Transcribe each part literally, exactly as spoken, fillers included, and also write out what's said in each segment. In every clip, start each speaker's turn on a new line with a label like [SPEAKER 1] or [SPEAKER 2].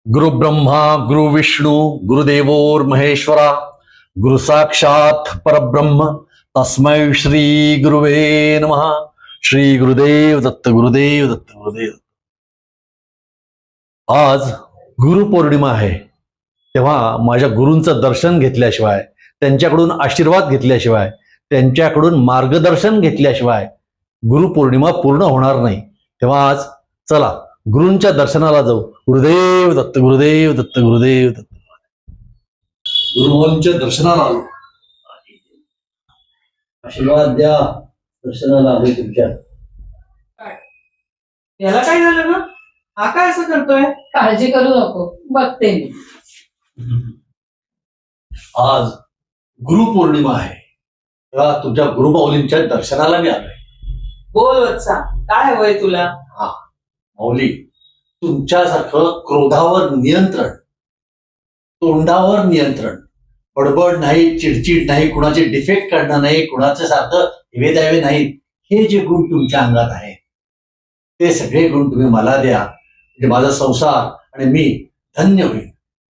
[SPEAKER 1] गुरु ब्रह्मा गुरु विष्णु गुरुदेवोर महेश्वरा गुरु साक्षात परब्रह्म तस्मै श्री गुरुवे नमः. श्री गुरुदेव दत्त गुरुदेव दत्त गुरुदेव. आज गुरुपौर्णिमा आहे, तेव्हा माझ्या गुरूंचं दर्शन घेतल्याशिवाय, त्यांच्याकडून आशीर्वाद घेतल्याशिवाय, त्यांच्याकडून मार्गदर्शन घेतल्याशिवाय गुरुपौर्णिमा पूर्ण होणार नाही. तेव्हा आज चला गुरूंच्या दर्शनाला जाऊ. गुरुदेव दत्त गुरुदेव दत्त गुरुदेव दत्त. गुरुभाऊंच्या दर्शनाला आलो. आशीर्वाद द्या. दर्शनाला आलोय तुमच्या.
[SPEAKER 2] याला काय झालं ना? हा काय असं करतोय?
[SPEAKER 3] काळजी करू नको, बघते मी.
[SPEAKER 1] आज गुरुपौर्णिमा आहे, तेव्हा तुमच्या गुरुमाऊलींच्या दर्शनाला मी आलोय.
[SPEAKER 2] बोल वत्सा, काय हवंय तुला?
[SPEAKER 1] हा माऊली, तुमच्यासारखं क्रोधावर नियंत्रण, तोंडावर नियंत्रण, बडबड नाही, चिडचिड नाही, कुणाचे डिफेक्ट काढणं नाही, कुणाचे सारखं हेवे द्यावे नाहीत, हे जे गुण तुमच्या अंगात आहेत ते सगळे गुण तुम्ही मला द्या, म्हणजे माझा संसार आणि मी धन्य होईल.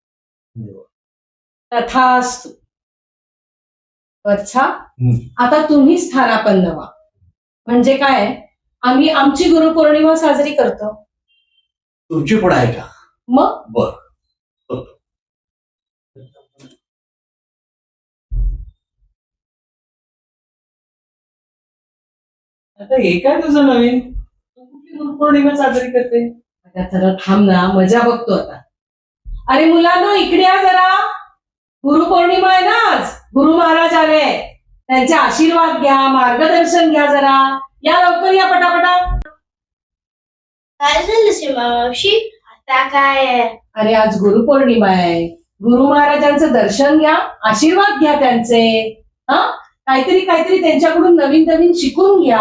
[SPEAKER 3] तथास्तु. वत्सा,
[SPEAKER 1] हम्म.
[SPEAKER 3] आता तुम्ही स्थानापन्न व्हा. म्हणजे काय, आम्ही आमची गुरुपौर्णिमा साजरी करतो.
[SPEAKER 1] तुमची पण आहे का?
[SPEAKER 3] मग
[SPEAKER 1] बर.
[SPEAKER 2] आता हे काय तुझं नवीन? तू कुठली गुरुपौर्णिमा साजरी करते?
[SPEAKER 3] आता जरा थांब ना, मजा बघतो आता. अरे मुलांनो, इकडे या जरा. गुरुपौर्णिमा आहे ना आज. गुरु महाराज आले, त्यांचे आशीर्वाद घ्या, मार्गदर्शन घ्या जरा. या लवकर या, पटापटा.
[SPEAKER 4] काय झालं सीमा मावशी? आता काय आहे?
[SPEAKER 3] अरे आज गुरुपौर्णिमा आहे. गुरु महाराजांचं दर्शन घ्या, आशीर्वाद घ्या त्यांचे. हा, काहीतरी काहीतरी त्यांच्याकडून नवीन नवीन शिकून घ्या.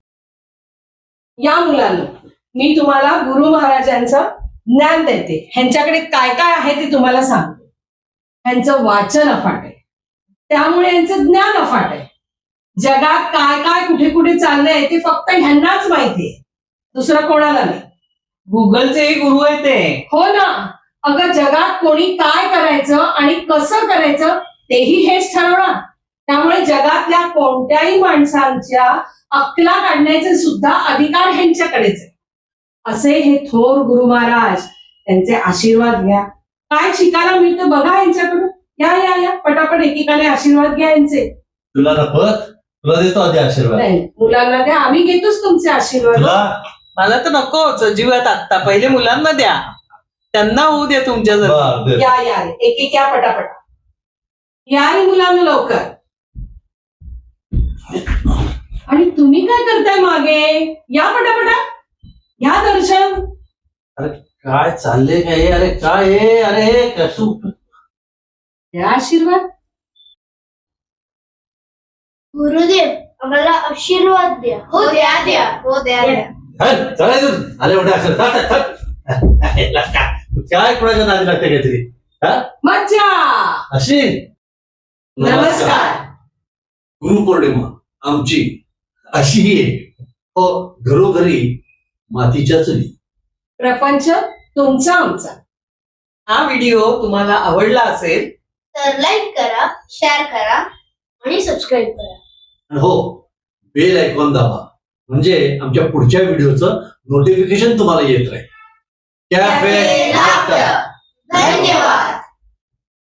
[SPEAKER 3] या मुलांनो, मी तुम्हाला गुरु महाराजांचं ज्ञान देते. ह्यांच्याकडे काय काय आहे ते तुम्हाला सांगते. ह्यांचं वाचन अफाट आहे, त्यामुळे यांचं ज्ञान अफाट आहे. जगात काय काय कुठे कुठे चाललंय ते फक्त ह्यांनाच माहितीये, दुसरं कोणाला नाही.
[SPEAKER 2] गुगलचे गुरु आहे ते.
[SPEAKER 3] हो ना. अगं, जगात कोणी काय करायचं आणि कसं करायचं तेही हेच ठरवणार. त्यामुळे जगातल्या कोणत्याही माणसांच्या अक्कला काढण्याचे सुद्धा अधिकार ह्यांच्याकडेच आहे. असे हे थोर गुरु महाराज, त्यांचे आशीर्वाद घ्या. काय शिकायला मिळतं बघा यांच्याकडून. या या या पटापट एकेकाने आशीर्वाद घ्या यांचे.
[SPEAKER 1] तुला नफत, तुला देतो आधी आशीर्वाद.
[SPEAKER 3] नाही, मुलांना द्या, आम्ही घेतोच तुमचे आशीर्वाद.
[SPEAKER 1] तुला
[SPEAKER 2] मला तर नकोच अजिबात. आत्ता पहिले मुलांना द्या, त्यांना होऊ द्या तुमच्या जवळ.
[SPEAKER 1] बर, दे.
[SPEAKER 3] या या रे, एक एक या पटापट. या रे मुलांना लवकर. आणि तुम्ही काय करताय मागे? या पटापटा, या दर्शन.
[SPEAKER 1] काय चाललंय काय? अरे काय आहे? अरे कसू
[SPEAKER 3] या आशीर्वाद.
[SPEAKER 4] गुरुदेव, आम्हाला आशीर्वाद द्या. हो द्या द्या. हो द्या द्या.
[SPEAKER 1] अरे मोठे अक्षर काय कोणाच्या नादी लागते काहीतरी?
[SPEAKER 3] मज्जा.
[SPEAKER 1] अशी
[SPEAKER 3] नमस्कार.
[SPEAKER 1] गुरुपौर्णिमा आमची अशी आहे. हो, घरोघरी मातीच्या चुली.
[SPEAKER 3] प्रपंच तुमचा आमचा.
[SPEAKER 2] हा व्हिडिओ तुम्हाला आवडला असेल
[SPEAKER 4] तर लाईक करा, शेअर करा आणि सबस्क्राईब करा.
[SPEAKER 1] हो, बेल आयकॉन दाबा, म्हणजे आमच्या पुढच्या व्हिडिओचं नोटिफिकेशन तुम्हाला येत राहील. Café
[SPEAKER 4] café laughter.